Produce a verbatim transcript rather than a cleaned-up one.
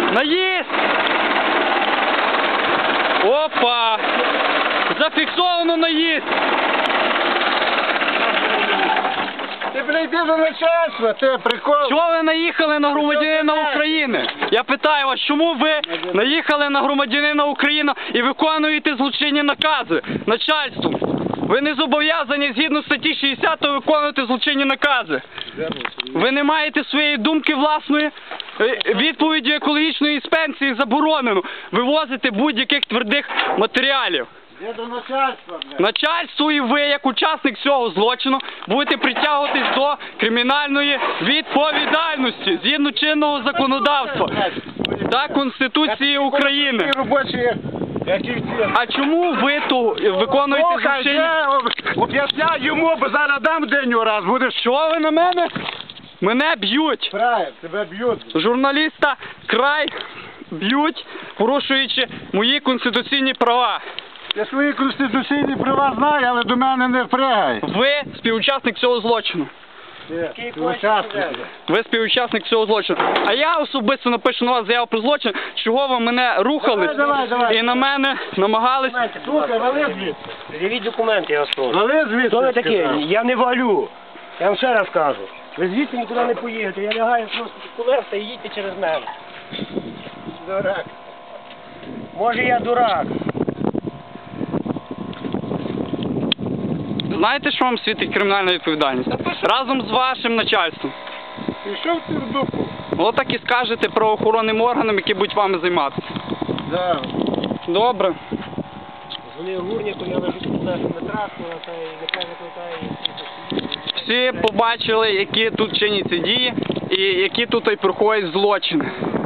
Наїзд! Опа! Зафіксовано наїзд! Ти прийди до начальства, ти прикол. Чого ви наїхали на громадянина України? Я питаю вас, чому ви наїхали на громадянина України і виконуєте злочинні накази начальством? Ви не зобов'язані згідно статті шістдесят виконувати злочинні накази. Ви не маєте своєї думки власної. Відповіддю екологічної інспекції заборонено вивозити будь-яких твердих матеріалів. Я до начальства, блядь. Начальство і ви, як учасник цього злочину, будете притягуватись до кримінальної відповідальності згідно чинного законодавства та Конституції України. Ті робочі, які всі. А чому ви то виконуєте Слухай, злочинні? я об'ясняю йому, бо зараз дам день раз, будеш. Що ви на мене? Мене б'ють. Правильно, тебе б'ють. Журналіста край б'ють, порушуючи мої конституційні права. Я свої конституційні права знаю, але до мене не впрягай. Ви співучасник цього злочину. Ти учасник. Ви співучасник цього злочину. А я особисто напишу на вас заяву про злочин, чого ви мене рухали Давай, давай, давай. і на мене намагались. Слухай, вали звідси. Привіть документи, я вас прошу. Вали звідси. Хто ви такі? сказав. Я не валю. Я вам ще раз кажу. Ви звідси нікуди не поїдете. Я лягаю просто під колеса і їдьте через мене. Дурак. Може я дурак. Знаєте, що вам світить кримінальна відповідальність? Разом з вашим начальством. Пішов ти в дупу. Отак і скажете правоохоронним органам, які будуть вами займатися. Да. Добре. Вони гурняку, я лежу під колесами трактора, та й нехай викликає Всі побачили, які тут чиняться дії і які тут і проходять злочини.